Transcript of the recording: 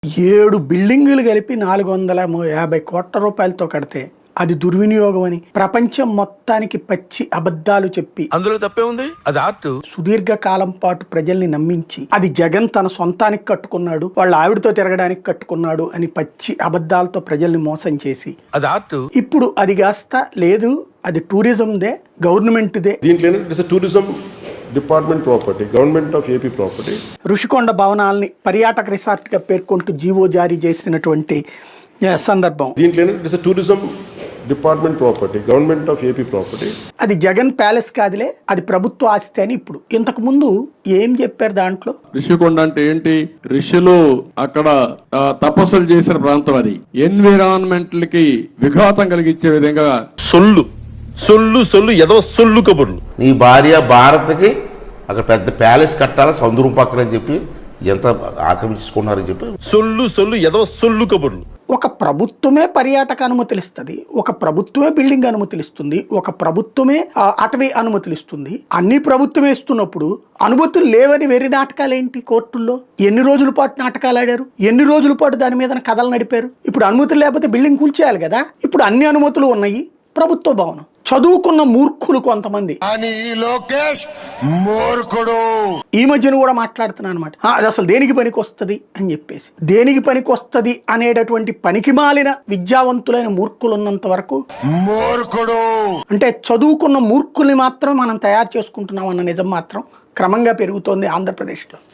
7 బిల్డింగులు కలిపి 450 కోట్ల రూపాయలతో కడితే అది దుర్వినియోగం అని ప్రపంచం మొత్తానికి పచ్చి అబద్ధాలు చెప్పి అందులో తప్పే ఉంది. అది ఆర్ట్. సుదీర్ఘ కాలం పాటు ప్రజల్ని నమ్మించి అది జగన్ తన సొంతానికి కట్టుకున్నాడు, వాళ్ళ ఆవిడతో తిరగడానికి కట్టుకున్నాడు అని పచ్చి అబద్ధాలతో ప్రజల్ని మోసం చేసి అది ఆర్ట్. ఇప్పుడు అది కాస్త లేదు, అది టూరిజందే, గవర్నమెంట్దే. దీంట్లో tourism department property, government of AP property. Rushikonda భవనాల్ని పర్యాటక రిసార్ట్గా పేర్కొంటూ జీవో జారీ చేసినటువంటి సందర్భం. దీంట్లో tourism department property, government of AP property. అది జగన్ ప్యాలెస్ కాదులే, అది ప్రభుత్వ ఆస్తి అని ఇప్పుడు. ఇంతకు ముందు ఏం చెప్పారు దాంట్లో? ఋషికొండ అంటే ఏంటి? ఋషులు అక్కడ తపస్సులు చేసిన ప్రాంతం. అది ఎన్విరాన్మెంట్ కి విఘాతం కలిగించే విధంగా సొల్లు సొల్లు సొల్లు ఏదో సొల్లు కబుర్లు. నీ భార్య భారత్కి అక్కడ పెద్ద ప్యాలెస్ కట్టాలి సముద్రం పక్కన అని చెప్పి ఎంత ఆక్రమించుకున్నారని చెప్పి సొల్లు సొల్లు ఏదో సొల్లు కబుర్లు. ఒక ప్రభుత్వమే పర్యాటక అనుమతులు ఇస్తుంది, ఒక ప్రభుత్వమే బిల్డింగ్ అనుమతులు ఇస్తుంది, ఒక ప్రభుత్వమే అటవీ అనుమతులు ఇస్తుంది. అన్ని ప్రభుత్వమే ఇస్తున్నప్పుడు అనుమతులు లేవని వెర్రి నాటకాలు ఏంటి? కోర్టుల్లో ఎన్ని రోజుల పాటు నాటకాలు ఆడారు, ఎన్ని రోజుల పాటు దాని మీద కథలు నడిపారు. ఇప్పుడు అనుమతులు లేకపోతే బిల్డింగ్ కూల్చేయాలి కదా. ఇప్పుడు అన్ని అనుమతులు ఉన్నాయి, ప్రభుత్వ భవనం. చదువుకున్న మూర్ఖులు కొంతమంది ఈ మధ్యన కూడా మాట్లాడుతున్నాను అనమాట. అది అసలు దేనికి పనికి వస్తుంది అని చెప్పేసి, దేనికి పనికి వస్తుంది అనేటటువంటి పనికి మాలిన విద్యావంతులైన మూర్ఖులు ఉన్నంత వరకు అంటే చదువుకున్న మూర్ఖుల్ని మాత్రం మనం తయారు చేసుకుంటున్నాం అన్న నిజం మాత్రం క్రమంగా పెరుగుతోంది ఆంధ్రప్రదేశ్లో.